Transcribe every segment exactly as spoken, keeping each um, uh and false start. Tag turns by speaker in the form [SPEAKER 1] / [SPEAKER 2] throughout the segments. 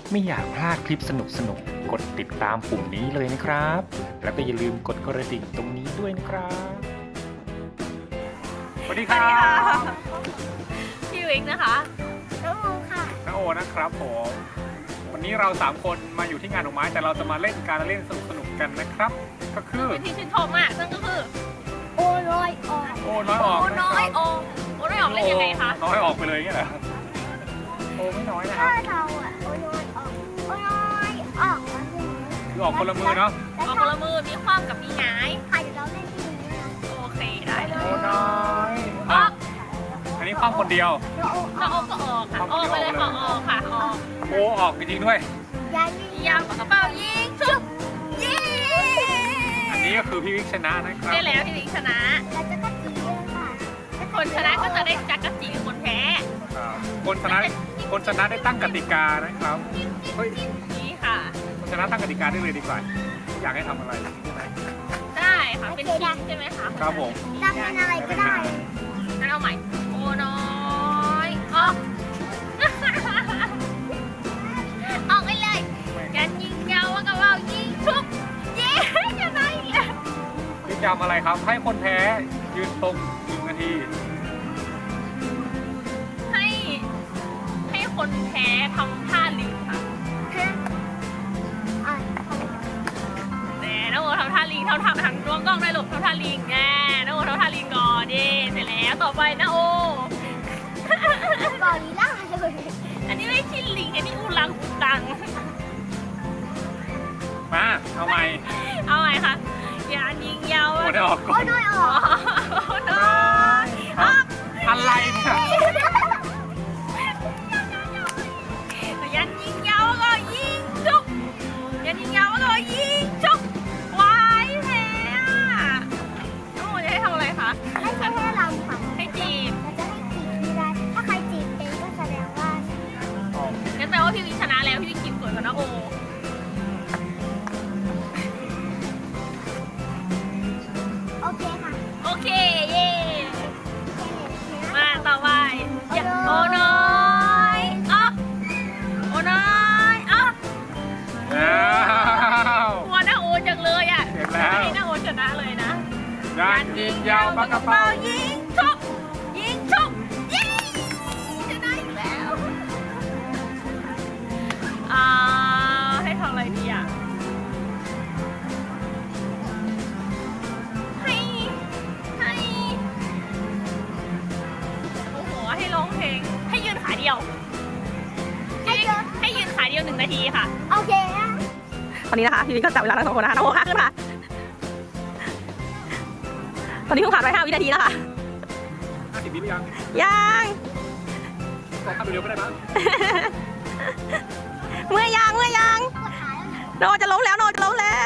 [SPEAKER 1] ไม่อยากพลาดคลิปสนุกๆ กดติดตามปุ่มนี้เลยนะครับ แล้วก็อย่าลืมกดกระดิ่งตรงนี้ด้วยนะครับสวัสดีครับ
[SPEAKER 2] พี่วิกนะคะ
[SPEAKER 3] น้องโอค่ะ
[SPEAKER 1] น้าโอนะครับผมวันนี้เราสามคนมาอยู่ที่งานดอกไม้แต่เราจะมาเล่นการเล่นสนุกๆกันนะครับ ก็คือ
[SPEAKER 2] เป็นที่ชื่นชอบมากซึ่งก็คือ
[SPEAKER 3] โอน้อยออก
[SPEAKER 1] โอน้อยออก
[SPEAKER 2] โอ้น้อยโอโอ้น้อยออกเล่นยังไงคะ
[SPEAKER 1] น้อยออกไปเลยเงี้ยเหรอโอไม่น้อยนะค
[SPEAKER 3] ถ้า
[SPEAKER 1] รับ
[SPEAKER 3] เราอ่ะโอน้อยออกโอน้อยออกแล้วเนี่ย
[SPEAKER 1] คือออกคนละมือเนาะ
[SPEAKER 3] แล้ว
[SPEAKER 2] ออก
[SPEAKER 3] ถ้า
[SPEAKER 2] คนละมือมีคว่ำกับมีหงาย
[SPEAKER 3] ใครเดี๋ยวเราเล่นที่นี้นะ
[SPEAKER 2] โอเคได้เล
[SPEAKER 1] โอย น้อยอ
[SPEAKER 2] ออ
[SPEAKER 1] อก กอันนี้ความคนเดียว
[SPEAKER 3] แล้วโออ
[SPEAKER 2] ถ้า
[SPEAKER 3] อก
[SPEAKER 2] โอก็ออกค่ะออกไปเลยค่ะออกค่ะออก
[SPEAKER 1] โอออกจริงๆด้วย
[SPEAKER 3] ยันนี่
[SPEAKER 2] ยางปากกระเป๋ายิงชุบยิง
[SPEAKER 1] อันนี้ก็คือพี่วิกชนะนะครับ
[SPEAKER 2] ได้แล้วพี่วิกชนะ
[SPEAKER 3] เราจะก็จีเลยค่ะ
[SPEAKER 2] คนชนะก็จะได้จักรจีคนแพ้
[SPEAKER 1] ครับคนชนะคนชนะได้ตั้งกติกานะครับเฮ้ย
[SPEAKER 2] นี่ค่ะ
[SPEAKER 1] คนชนะตั้งกติกาได้เลยดีกว่าอยากให้ทำอะไรใช่ไหม
[SPEAKER 2] ได้ค่ะเป็นทีมใช่ไหมคะ
[SPEAKER 1] ครับผม
[SPEAKER 3] จำเป็นอะไรก็ได้
[SPEAKER 2] งั้นเอาใหม่โอ้น้อยออก ออกไปเลยกันยิงยาวว่ากระเป๋ายิงชุบยิงจะได้อีกแล้ว
[SPEAKER 1] พี่จำอะไรครับ ให้คนแพ้ยืนตรงหนึ่งนาที
[SPEAKER 2] ให้ให้คนแพ้ทำท่าลิงค่ะ
[SPEAKER 3] ฮะอ่ะ
[SPEAKER 2] แหน่น้องโอทำท่าลิงเท่าทำทางดวงกล้องได้หลบทำท่าลิงแน่น้องโอทำท่าลิงก่อนดิเสร็จแล้วต่อไปนะโอ
[SPEAKER 3] กอริลล่าเลย
[SPEAKER 2] อันนี้ไม่ใช่ลิงอันนี้อูรังอูตัง
[SPEAKER 1] มาเอาใหม่
[SPEAKER 2] เอาไงคะอย่ายิงยาว
[SPEAKER 1] หมดได้ออก
[SPEAKER 3] โอ
[SPEAKER 1] ก่อน
[SPEAKER 3] น้อยอ
[SPEAKER 2] อ๋
[SPEAKER 3] อ
[SPEAKER 2] อก น้อยออก
[SPEAKER 1] อะไรเนี่ย
[SPEAKER 2] ยันยิงยาวก็ยิงจุกยันยิงยาวก็ยิงจุกวายแพ้น้องโมจะให้ทำอะไรคะ
[SPEAKER 3] ไม่ใช่ให้เราค่ะ
[SPEAKER 2] ให้จีบ
[SPEAKER 3] เราจะให้จีบทีไรถ้าใครจีบเป็นก็แสดงว่า
[SPEAKER 2] งั้นแปลว่าพี่วิชนะแล้วพี่วิกินสวยกว่าน้าโอ
[SPEAKER 3] โอเคค่ะ
[SPEAKER 2] โอเคเย่มาต่อไปอย่าโอน้อยอ๊อกโอน้อยอ๊อก
[SPEAKER 1] อ้าว
[SPEAKER 2] หัวหน้าโอจังเลยอ่ะ
[SPEAKER 1] เสร็จแล้ว
[SPEAKER 2] ให้หน้าโอชนะเลยนะ
[SPEAKER 1] ยานยิงยาวปากกระเป๋า
[SPEAKER 2] ยิงชุบยิงชุบยิงชนะอีกแล้วอ่าให้ทำอะไรดีอ่ะให้ให้โอ้โหให้ร้องเพลงให้ยืนขาเดียว
[SPEAKER 3] ให้เยอะ
[SPEAKER 2] ให้ยืนขาเดียวหนึ่งนาทีค่ะ
[SPEAKER 3] โอเคนะ
[SPEAKER 2] ตอนนี้นะคะพี่วิกก็จับเวลาทั้งสองคนนะคะน้องโอค่ะขึ้นค่ะตอนนี้เพิ่งผ่านไปห้าวินาทีแล้วค่ะ
[SPEAKER 1] ห้าสิบวิหรือยัง
[SPEAKER 2] ยัง
[SPEAKER 1] ขอทำเร็วๆก็ได้มั้ง
[SPEAKER 2] เมื่อยยังเมื่อยยัง
[SPEAKER 3] กดถ่ายแล้วนะ
[SPEAKER 2] โนจะล้มแล้วโนจะล้มแล้ว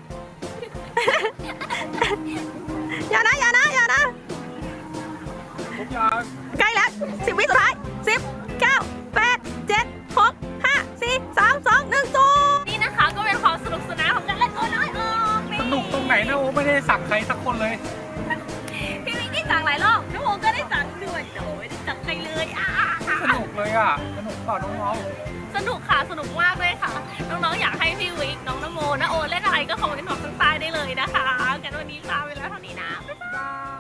[SPEAKER 2] อย่านะอย่านะอย่านะ
[SPEAKER 1] ครบยัง
[SPEAKER 2] ใกล้แล้วสิบวิสุดท้ายสิบเก้าแปดเจ็ดหกห้าสี่สามสองหนึ่งศูนย์นี่นะคะก็เป็นความสนุกสนานของการเล่นโอน้อยออก
[SPEAKER 1] สนุกตรงไหนนะโอไม่ได้สักใครสักคนเลย
[SPEAKER 2] พี่วิกได้สั่งหลายรอบน้องโอก็ได้สั่งด้วยแต่โอไม่ได้สั่งใครเลยอ่ะ
[SPEAKER 1] สนุกเลยอ่ะสนุกเปล่าน้อง
[SPEAKER 2] สนุกค่ะสนุกมากเลยค่ะ น้องๆอยากให้พี่วิกน้องนโมนะโอเล่นอะไรก็คอมเมนต์บอกข้างใต้ได้เลยนะคะกันวันนี้ลาไปแล้วเท่านี้นะบ๊ายบาย